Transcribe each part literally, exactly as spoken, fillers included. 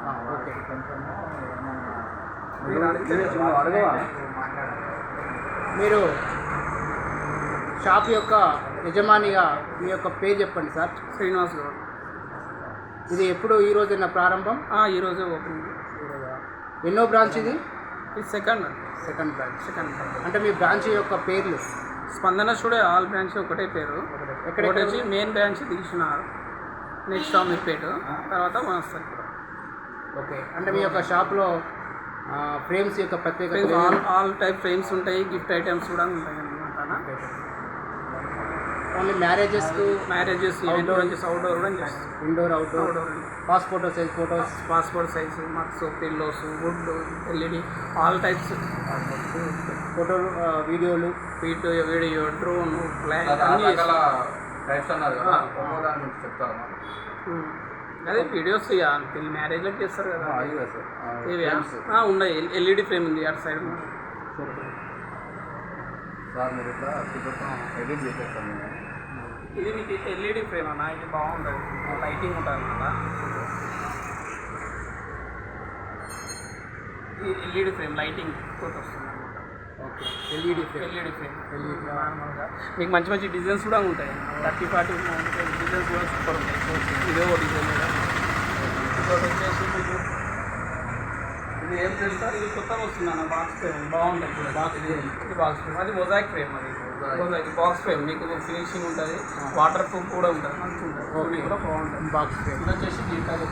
Okay. మీరు shop యొక్క యజమానిగా మీ యొక్క పేరు చెప్పండి సార్. శ్రీనివాస్ గౌడ్. ఇది ఎప్పుడు ఈ రోజున ప్రారంభం? ఈరోజే ఓపెన్. ఎన్నో బ్రాంచ్ ఇది? ఇది సెకండ్ సెకండ్ బ్రాంచ్. సెకండ్ అంటే మీ బ్రాంచ్ యొక్క పేర్లు? స్పందన స్టూడియో ఆల్ బ్రాంచ్ ఒకటే పేరు. ఎక్కడ వచ్చి మెయిన్ బ్రాంచ్ తీసినారు, నెక్స్ట్ అమీర్పేట, తర్వాత వనస్థలి. ఓకే. అంటే మీ యొక్క షాప్లో ఫ్రేమ్స్ యొక్క ప్రత్యేకత? ఆల్ ఆల్ టైప్ ఫ్రేమ్స్ ఉంటాయి, గిఫ్ట్ ఐటమ్స్ కూడా ఉంటాయి అన్నమాట. ఓన్లీ మ్యారేజెస్కు? మ్యారేజెస్, అవుట్డోర్ అవుట్డోర్ కూడా చేస్తాం. Indoor outdoor. Passport size photos? Passport size, mugs, pillows, wood, LED, all types photo, వీడియోలు, వీడియో వీడియో డ్రోన్, ఫ్లాగ్ అన్నీ అదే వీడియోస్ పెళ్లి మ్యారేజ్లో చేస్తారు కదా. ఇవి ఉన్నాయి. ఎల్ఈడి ఫ్రేమ్ ఉంది అటు సైడ్. ఇది మీకు ఎల్ఈడి ఫ్రేమ్ అన్న, ఇది బాగుంటుంది, లైటింగ్ ఉంటుంది అన్నమాట. ఇది ఎల్ఈడి ఫ్రేమ్, లైటింగ్ తోటి వస్తుంది అన్నమాట. Okay. LED frame. LED frame LED నార్మల్గా మీకు మంచి మంచి డిజైన్స్ కూడా ఉంటాయి. థర్టీ ఫార్టీ డిజైన్స్ కూడా సూపర్ ఉంటాయి. ఇదే ఒక డిజైన్ కూడా. ఇంకోటి వచ్చేసి మీకు ఇది ఏం చేస్తారు, ఇది కొత్తగా వస్తుంది అన్న, బాక్స్ ఫ్రేమ్ బాగుంటుంది. బాక్స్ ఇది బాక్స్ ఫ్రేమ్, అది మొజాయిక్ ఫ్రేమ్. అది మొజాయిక్ బాక్స్ ఫ్రేమ్ మీకు ఫినిషింగ్ ఉంటుంది, వాటర్ ప్రూఫ్ కూడా ఉంటుంది, మంచిగా ఉంటుంది. ఓకే కూడా బాగుంటుంది బాక్స్ ఫ్రేమ్. ఇది వచ్చేసి గీటర్.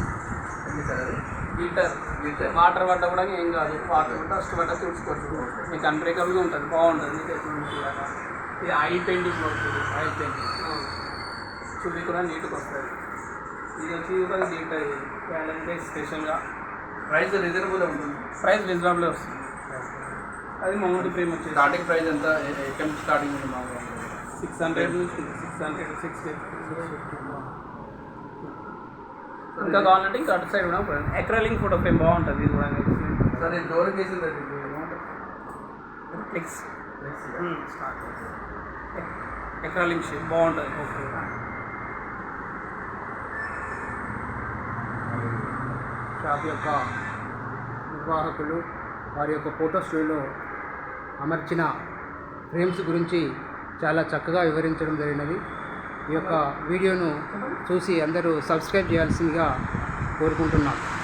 గీటర్ గీటర్ వాటర్ పడ్డా కూడా ఏం కాదు, వాటర్ పడ్డా డస్ట్ పడ్డా తుడుచుకోవచ్చు. మీకు అన్బ్రేకబుల్గా ఉంటుంది, బాగుంటుంది. మీకు ఇది ఆయిల్ పెయింటింగ్ అవుతుంది. ఆయిల్ పెయింటింగ్ చుల్లి కూడా నీట్గా వస్తుంది. ఇది వచ్చి కూడా గీటర్ వ్యాలంటైన్స్ స్పెషల్గా. ప్రైస్ రీజనబుల్ ఉంటుంది. ప్రైస్ రీజనబుల్ వస్తుంది. అది మౌంట్ ఫ్రేమ్ వచ్చేసి స్టార్టింగ్ ప్రైస్ ఎంత? ఎక్కడ స్టార్టింగ్ ఉంది? మామూలుగా సిక్స్ హండ్రెడ్ నుంచి సిక్స్ హండ్రెడ్ సిక్స్ ఇంకా కావాలంటే ఇంకా అటు సైడ్ కూడా ఎక్రాలింగ్ ఫోటో ఫ్రేమ్ బాగుంటుంది. ఇది కూడా సార్ ఇది డోర్ కేసులు ఫ్లెక్స్ ఎక్రాలింగ్ షేప్ బాగుంటుంది. ఓకే. షాప్ యొక్క నిర్వాహకులు వారి యొక్క ఫోటో స్టూడియోలో అమర్చిన ఫ్రేమ్స్ గురించి చాలా చక్కగా వివరించడం జరిగినది. ఈ యొక్క వీడియోను చూసి అందరూ సబ్స్క్రైబ్ చేయాల్సిందిగా కోరుకుంటున్నాం.